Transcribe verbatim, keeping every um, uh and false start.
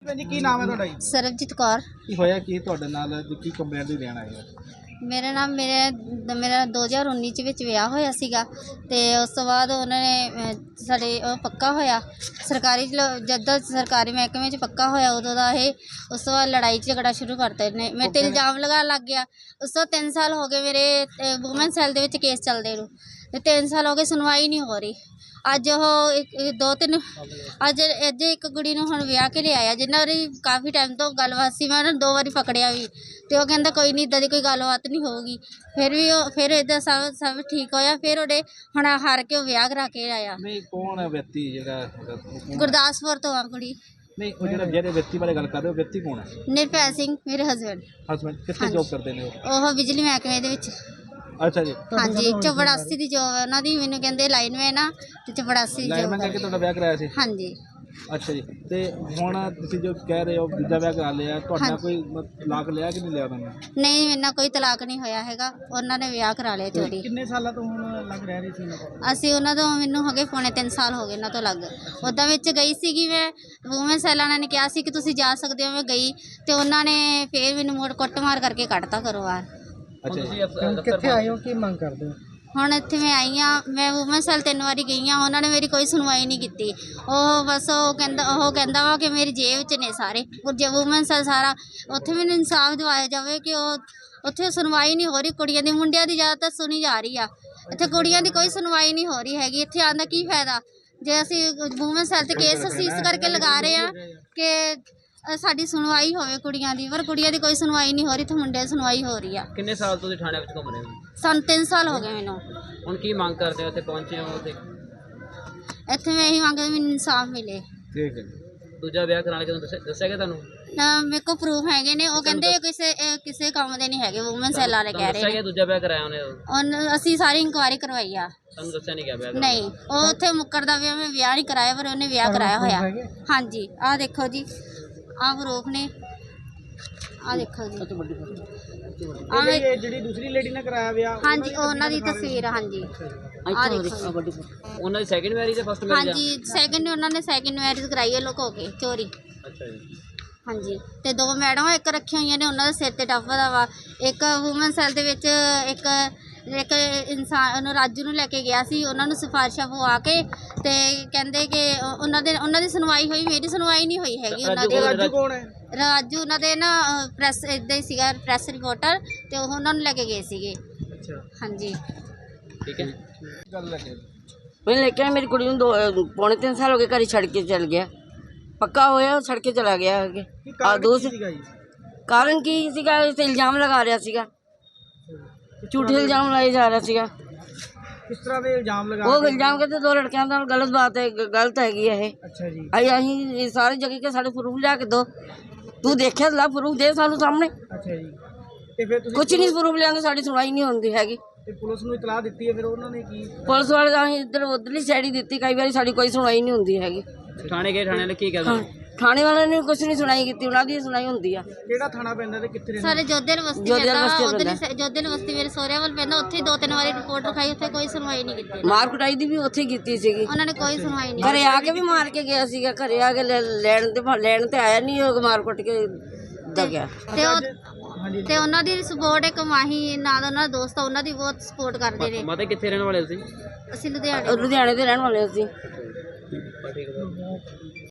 ਭੈਣ ਜੀ ਕੀ ਨਾਮ ਹੈ ਤੁਹਾਡਾ ਜੀ? ਸਰਬਜੀਤ ਕੌਰ। ਕੀ ਹੋਇਆ ਕੀ ਤੁਹਾਡੇ ਨਾਲ ਤੇ ਕੀ ਕੰਪਲੇਂਟ ਦੀ ਲੈਣ ਆਏ ਹੋ? ਮੇਰਾ ਨਾਮ ਮੇਰੇ ਮੇਰਾ ਦੋ ਹਜ਼ਾਰ ਉੱਨੀ ਚ ਵਿੱਚ ਵਿਆਹ ਹੋਇਆ ਸੀਗਾ ਤੇ ਉਸ ਤੋਂ ਬਾਅਦ ਉਹਨਾਂ ਨੇ ਅਹ, ਸਾਡੇ ਉਹ ਪੱਕਾ ਹੋਇਆ ਸਰਕਾਰੀ ਲ- ਜਦੋਂ ਸਰਕਾਰੀ ਮਹਿਕਮੇ 'ਚ ਪੱਕਾ ਹੋਇਆ ਉਦੋਂ ਦਾ ਇਹ ਉਸ ਤੋਂ ਬਾਅਦ ਲੜਾਈ ਝਗੜਾ ਸ਼ੁਰੂ ਕਰਤੇ ਨੇ ਮੇਰੇ ਤੇ ਇਲਜ਼ਾਮ ਲਗਾਉਣ ਲੱਗ ਗਿਆ। ਉਸ ਤੋਂ ਤਿੰਨ ਸਾਲ ਹੋ ਗਏ ਮੇਰੇ ਵੂਮਨ ਸੈੱਲ ਦੇ ਵਿੱਚ ਕੇਸ ਚੱਲਦੇ ਨੂੰ ਤੇ ਤਿੰਨ ਸਾਲ ਹੋ ਗਏ ਸੁਣਵਾਈ ਨਹੀਂ ਹੋ ਰਹੀ। ਅੱਜ ਉਹ ਇੱਕ ਇੱਕ- ਦੋ ਤਿੰਨ ਅੱਜ ਅੱਜ ਇੱਕ ਕੁੜੀ ਨੂੰ ਹੁਣ ਵਿਆਹ ਕੇ ਲਿਆਇਆ ਜਿਨ੍ਹਾਂ ਦੀ ਕਾਫੀ ਟਾਈਮ ਤੋਂ ਗੱਲਬਾਤ ਸੀ। ਮੈਂ ਉਹਨਾਂ ਨੂੰ ਦੋ ਵਾਰੀ ਪਕੜਿਆ ਵੀ ਤੇ ਉਹ ਕਹਿੰਦਾ ਕੋਈ ਨਹੀਂ ਇੱਦਾਂ ਦੀ ਕੋਈ ਗੱਲਬਾਤ ਨਹੀਂ ਹੋਊਗੀ। ਫਿਰ ਵੀ ਉਹ ਫਿਰ ਇੱਦਾਂ ਸਭ ਸਭ ਠੀਕ ਹੋਇਆ। ਫਿਰ ਉਹਦੇ ਹੁਣ ਹਾਰ ਕੇ ਉਹ ਵਿਆਹ ਕਰਾ ਕੇ ਆਇਆ। ਨਹੀਂ ਕੌਣ ਹੈ ਵਿਅਕਤੀ ਜਿਹੜਾ ਹੈਗਾ? ਉਹ ਕੌਣ? ਗੁਰਦਾਸਪੁਰ ਤੋਂ ਆ ਕੁੜੀ। ਨਹੀਂ ਉਹ ਜਿਹੜਾ ਜਿਹੜੇ ਵਿਅਕਤੀ ਬਾਰੇ ਗੱਲ ਕਰ ਰਹੇ ਹੋ ਵਿਅਕਤੀ ਕੌਣ ਹੈ? ਨਿਰਭੈ ਸਿੰਘ ਮੇਰੇ ਹਸਬੈਂਡ। ਹਸਬੈਂਡ ਕਿੱਥੇ ਜੋਬ ਕਰਦੇ ਨੇ ਉਹ? ਉਹ ਬਿਜਲੀ ਮਹਿਕਮੇ ਦੇ ਵਿੱਚ। ਅੱਛਾ ਜੀ। ਹਾਂਜੀ ਚਪੜਾਸੀ ਦੀ ਜੋਬ ਹੈ ਉਹਨਾਂ ਦੀ। ਮੈਨੂੰ ਕਹਿੰਦੇ ਲਾਈਨਮੈਨ ਆ ਤੇ ਚਪੜਾਸੀ ਦੀ ਲਾਈਨਮੈਨ ਜੋਬ ਕਰਕੇ ਤੁਹਾਡਾ ਵਿਆਹ ਕਰਾਇਆ ਸੀ? ਹਾਂਜੀ। ਅੱਛਾ ਜੀ। ਤੇ ਹੁਣ ਤੁਸੀਂ ਜੋ ਕਹਿ ਰਹੇ ਹੋ ਦੂਜਾ ਵਿਆਹ ਕਰਾ ਲਿਆ ਤੁਹਾਡਾ ਕੋਈ ਮ- ਤਲਾਕ ਲਿਆ ਕਿ ਨਹੀਂ ਲਿਆ ਉਹਨਾਂ ਨੇ? ਨਹੀਂ ਮੇਰੇ ਨਾਲ ਕੋਈ ਤਲਾਕ ਨਹੀਂ ਹੋਇਆ ਹੈਗਾ। ਉਹਨਾਂ ਨੇ ਵਿਆਹ ਕਰਾ ਲਿਆ ਚੋਰੀ। ਕਿੰਨੇ ਸਾਲਾਂ ਤੋਂ ਹੁਣ ਲੱਗ ਰਹਿ ਰਹੀ ਸੀ? ਅਸੀਂ ਉਹਨਾਂ ਤੋਂ ਮੈਨੂੰ ਹੋ ਗਏ ਪੌਣੇ ਤਿੰਨ ਸਾਲ ਹੋ ਗਏ ਉਹਨਾਂ ਤੋਂ ਲੱਗ। ਉੱਦਾਂ ਵਿੱਚ ਗਈ ਸੀਗੀ ਮੈਂ ਵੂਮਨ ਸੈੱਲ ਵਾਲਿਆਂ ਨੇ ਕਿਹਾ ਸੀ ਕਿ ਤੁਸੀਂ ਜਾ ਸਕਦੇ ਹੋ। ਮੈਂ ਗਈ ਤੇ ਉਹਨਾਂ ਨੇ ਫੇਰ ਮੈਨੂੰ ਮੋੜ ਕੁੱਟਮਾਰ ਕਰਕੇ ਕੱਢਤਾ ਘਰੋਂ ਬਾਹਰ। ਅੱਛਾ ਜੀ। ਕਿੱਥੇ ਆਏ ਹੋ ਕੀ ਮੰਗ ਕਰਦੇ ਹੋ? ਹੁਣ ਇੱਥੇ ਮੈਂ ਆਈ ਹਾਂ। ਮੈਂ ਵੂਮਨ ਸੈੱਲ ਤਿੰਨ ਵਾਰੀ ਗਈ ਹਾਂ ਉਹਨਾਂ ਨੇ ਮੇਰੀ ਕੋਈ ਸੁਣਵਾਈ ਨਹੀਂ ਕੀਤੀ। ਉਹ ਬਸ ਉਹ ਕਹਿੰਦਾ ਉਹ ਕਹਿੰਦਾ ਵਾ ਕਿ ਮੇਰੀ ਜੇਬ 'ਚ ਨੇ ਸਾਰੇ ਜੇ ਵੂਮਨ ਸੈੱਲ ਸਾਰਾ। ਉੱਥੇ ਮੈਨੂੰ ਇਨਸਾਫ ਦਿਵਾਇਆ ਜਾਵੇ ਕਿ ਉਹ ਉੱਥੇ ਸੁਣਵਾਈ ਨਹੀਂ ਹੋ ਰਹੀ। ਕੁੜੀਆਂ ਦੀ ਮੁੰਡਿਆਂ ਦੀ ਜ਼ਿਆਦਾਤਰ ਸੁਣੀ ਜਾ ਰਹੀ ਆ। ਇੱਥੇ ਕੁੜੀਆਂ ਦੀ ਕੋਈ ਸੁਣਵਾਈ ਨਹੀਂ ਹੋ ਰਹੀ ਹੈਗੀ। ਇੱਥੇ ਆਉਣ ਦਾ ਕੀ ਫਾਇਦਾ ਜੇ ਅਸੀਂ ਵੂਮਨ ਸੈੱਲ 'ਤੇ ਕੇਸ ਅਸੀਂ ਇਸ ਕਰਕੇ ਲਗਾ ਰਹੇ ਹਾਂ ਕਿ ਅ, ਸਾਡੀ ਸੁਣਵਾਈ ਹੋਵੇ ਕੁੜੀਆਂ ਦੀ। ਪਰ ਕੁੜੀਆਂ ਦੀ ਕੋਈ ਸੁਣਵਾਈ ਨਹੀਂ ਹੋ ਰਹੀ। ਇੱਥੇ ਮੁੰਡਿਆਂ ਦੀ ਸੁਣਵਾਈ ਹੋ ਰਹੀ ਆ। ਕਿੰਨੇ ਸਾਲ ਤੋਂ ਤੁਸੀਂ ਥਾਣੇ ਵਿੱਚ ਘੁੰਮ ਰਹੇ ਹੋ? ਸਾਨੂੰ ਤਿੰਨ ਸਾਲ ਹੋ ਗਏ ਮੈਨੂੰ। ਹੁਣ ਕੀ ਮੰਗ ਕਰਦੇ ਹੋ? ਇੱਥੇ ਪਹੁੰਚੇ ਹੋ ਤੇ ਇੱਥੇ ਮੈਂ ਇਹੀ ਮੰਗਦੀ ਮੈਨੂੰ ਇਨਸਾਫ ਮਿਲੇ। ਠੀਕ ਹੈ। ਦੂਜਾ ਵਿਆਹ ਕਰਾਉਣ ਕੇ ਦੱਸਿਆ ਦੱਸਿਆ ਗਿਆ ਤੁਹਾਨੂੰ? ਨਾ ਮੇਰੇ ਕੋਲ ਪ੍ਰੂਫ ਹੈਗੇ ਨੇ। ਉਹ ਕਹਿੰਦੇ ਕਿਸੇ ਅਹ ਕਿਸੇ ਕੰਮ ਦੇ ਨਹੀਂ ਹੈਗੇ। ਵੂਮਨ ਸੈੱਲ ਵਾਲੇ ਕਹਿ ਦੱਸਿਆ ਰਹੇ ਗਿਆ ਨੇ। ਦੂਜਾ ਵਿਆਹ ਕਰਾਇਆ ਉਹਨੇ? ਉਹਨ ਅਸੀਂ ਸਾਰੀ ਇਨਕੁਆਇਰੀ ਕਰਵਾਈ ਆ। ਤੁਹਾਨੂੰ ਦੱਸਿਆ ਨਹੀਂ ਗਿਆ ਵਿਆਹ ਕਰਾਉਣ? ਨਹੀਂ ਉਹ ਉੱਥੇ ਮੁੱਕਰਦਾ ਵੀ ਮੈਂ ਵਿਆਹ ਨਹੀਂ ਕਰਾਇਆ ਪਰ ਉਹਨੇ ਵਿਆਹ ਕਰਾਇਆ ਹੋਇਆ। ਹਾਂਜੀ ਆਹ ਦੇਖੋ ਜੀ ਆਹ ਪ੍ਰੂਫ ਨੇ। ਆਹ ਦੇਖੋ ਜੀ ਆਹ ਵੇ- ਇਹ ਜਿਹੜੀ ਦੂਸਰੀ ਲੇਡੀ ਨੇ ਕਰਾਇਆ ਵਿਆਹ ਹਾਂਜੀ ਉਹ ਉਹਨਾਂ ਦੀ ਤਸਵੀਰ ਆ। ਹਾਂਜੀ ਆਹ ਦੇਖੋ ਜੀ। ਉਹਨਾਂ ਦੀ ਸੈਕਿੰਡ ਮੈਰਿਜ ਜਾਂ ਫਸਟ ਮੈਰਿਜ? ਹਾਂਜੀ ਸੈਕਿੰਡ ਉਹਨਾਂ ਨੇ ਸੈਕਿੰਡ ਮੈਰਿਜ ਕਰਾਈ ਹੈ ਲੁਕੋ ਕੇ ਚੋਰੀ। ਅੱਛਾ ਜੀ। ਹਾਂਜੀ ਤੇ ਦੋ ਮੈਡਮਾਂ ਇੱਕ ਰੱਖੀਆਂ ਹੋਈਆਂ ਨੇ ਉਹਨਾਂ ਦੇ ਸਿਰ ਤੇ ਟੱਫਾ ਦਾ ਵਾ। ਇੱਕ ਵੂਮਨ ਸੈੱਲ ਦੇ ਵਿੱਚ ਇੱਕ ਇੱਕ ਇਨਸਾਨ ਉਹਨੂੰ ਰਾਜੂ ਨੂੰ ਲੈ ਕੇ ਗਿਆ ਸੀ। ਉਹਨਾਂ ਨੂੰ ਸਿਫਾਰਿਸ਼ਾਂ ਪਵਾ ਕੇ ਤੇ ਕਹਿੰਦੇ ਕਿ ਉਹ- ਉਹਨਾਂ ਦੇ ਉਹਨਾਂ ਦੀ ਸੁਣਵਾਈ ਹੋਈ। ਮੇਰੀ ਸੁਣਵਾਈ ਨਹੀਂ ਹੋਈ ਹੈਗੀ ਉਹਨਾਂ ਦੀ। ਰਾਜੂ ਕੌਣ ਹੈ? ਰਾਜੂ ਉਹਨਾਂ ਦੇ ਨਾ ਪ੍ਰੈਸ ਇੱਦਾਂ ਹੀ ਸੀਗਾ ਪ੍ਰੈਸ ਰਿਪੋਰਟਰ ਤੇ ਉਹ ਉਹਨਾਂ ਨੂੰ ਲੈ ਕੇ ਗਏ ਸੀਗੇ। ਅੱਛਾ ਹਾਂਜੀ ਠੀਕ ਹੈ। ਗੱਲ ਲੱਗੇ मैं लेके आया मेरी कुड़ी ਨੂੰ ਦੋ ਪੌਣੇ ਤਿੰਨ ਸਾਲ ਹੋ ਗਏ ਘਰ ਛੱਡ ਕੇ ਚਲ ਗਿਆ। ਪੱਕਾ ਹੋਇਆ ਉਹ ਛੱਡ ਕੇ ਚਲਾ ਗਿਆ ਅੱਗੇ। ਆ ਦੂਸਰੀ ਸੀਗਾ ਜੀ? ਕਾਰਨ ਕੀ ਸੀਗਾ? ਇਸ ਤੇ ਇਲਜ਼ਾਮ ਲਗਾ ਰਿਹਾ ਸੀਗਾ। ਝੂਠੇ ਇਲਜ਼ਾਮ ਲਾਏ ਜਾ ਰਿਹਾ ਸੀਗਾ। ਕਿਸ ਤਰ੍ਹਾਂ ਦੇ ਇਲਜ਼ਾਮ ਲਗਾ ਉਹ ਕੇ? ਇਲਜ਼ਾਮ ਕਹਿੰਦੇ ਦੋ ਲੜਕਿਆਂ ਨਾਲ ਗਲਤ ਬਾਤ ਹੈ ਗ- ਗਲਤ ਹੈਗੀ ਹੈ ਇਹ। ਅੱਛਾ ਜੀ। ਅਸੀਂ ਅਸੀਂ ਸਾਰੇ ਜਗ੍ਹਾ ਕੇ ਸਾਡੇ ਪ੍ਰੂਫ ਲਿਆ ਕੇ ਦੋ। ਤੂੰ ਦੇਖਿਆ ਲਾ ਪ੍ਰੂਫ ਦੇ ਸਾਨੂੰ ਸਾਹਮਣੇ। ਅੱਛਾ ਜੀ। ਤੇ ਫਿਰ ਤੁਸੀਂ ਕੁਝ ਨਹੀਂ ਪ੍ਰੂਫ ਲਿਆਂਗੇ ਸਾਡੀ ਸੁਣਵਾਈ ਨਹੀਂ ਹੁੰਦੀ ਹੈਗੀ। ਤੇ ਪੁਲਿਸ ਨੂੰ ਇਤਲਾਹ ਦਿੱਤੀ ਹੈ ਫਿਰ ਉਹਨਾਂ ਨੇ ਕੀ? ਪੁਲਿਸ ਵਾਲੇ ਤਾਂ ਅਸੀਂ ਇੱਧਰ ਉੱਧਰਲੀ ਸਾਈਡ ਹੀ ਦਿੱਤੀ। ਕਈ ਵਾਰੀ ਸਾਡੀ ਕੋਈ ਸੁਣਵਾਈ ਨਹੀਂ ਹੁੰਦੀ ਹੈਗੀ। ਥਾਣੇ ਗਏ ਥਾਣੇ ਵਾਲੇ ਕੀ ਹਾਂ ਕਹਿੰਦੇ? ਥਾਣੇ ਵਾਲਿਆਂ ਨੇ ਕੁਝ ਨਹੀਂ ਸੁਣਾਈ ਕੀਤੀ। ਉਹਨਾਂ ਦੀ ਸੁਣਾਈ ਹੁੰਦੀ ਆ। ਕਿਹੜਾ ਥਾਣਾ ਪੈਂਦਾ ਤੇ ਕਿੱਥੇ ਰਹਿੰਦਾ? ਸਾਰੇ ਜੋਧੇਲ ਬਸਤੀ ਜੋਧੇਲ ਪੈਂਦਾ ਬਸਤੀ ਉਧਰ ਪੈਂਦਾ। ਜੋਧੇਲ ਬਸਤੀ ਮੇਰੇ ਸਹੁਰਿਆਂ ਵੱਲ ਪੈਂਦਾ। ਉੱਥੇ ਹੀ ਦੋ ਤਿੰਨ ਵਾਰੀ ਰਿਪੋਰਟ ਰਖਾਈ ਉੱਥੇ ਕੋਈ ਸੁਣਵਾਈ ਨਹੀਂ ਕੀਤੀ। ਮਾਰ ਕੁਟਾਈ ਦੀ ਵੀ ਉੱਥੇ ਕੀਤੀ ਸੀਗੀ। ਉਹਨਾਂ ਨੇ ਕੋਈ ਸੁਣਵਾਈ ਨਹੀਂ ਘਰੇ ਆ ਕੇ ਵੀ ਮਾਰ ਕੇ ਗਿਆ ਸੀਗਾ। ਘਰੇ ਆ ਕੇ ਲੈ- ਲੈਣ ਤੇ ਲੈਣ ਤੇ ਆਇਆ ਨਹੀਂ। ਉਹ ਮਾਰ ਕੁੱਟ ਕੇ ਦਾ ਗਿਆ। ਤੇ ਉਹ ਹਾਂਜੀ। ਤੇ ਉਹਨਾਂ ਦੀ ਸਪੋਰਟ ਇੱਕ ਮਾਹੀ ਨਾਲ ਉਹਨਾਂ ਦਾ ਦੋਸਤ ਆ ਉਹਨਾਂ ਦੀ ਬਹੁਤ ਸਪੋਰਟ ਕਰਦੇ ਨੇ। ਮਾਤਾ ਕਿੱਥੇ ਰਹਿਣ ਵਾਲੇ ਤੁਸੀਂ? ਅਸੀਂ ਲੁਧਿਆਣੇ ਉਹ ਲੁਧਿਆਣੇ ਦੇ ਰਹਿਣ ਵਾਲੇ ਸੀ। ਠੀਕ ਹੈ।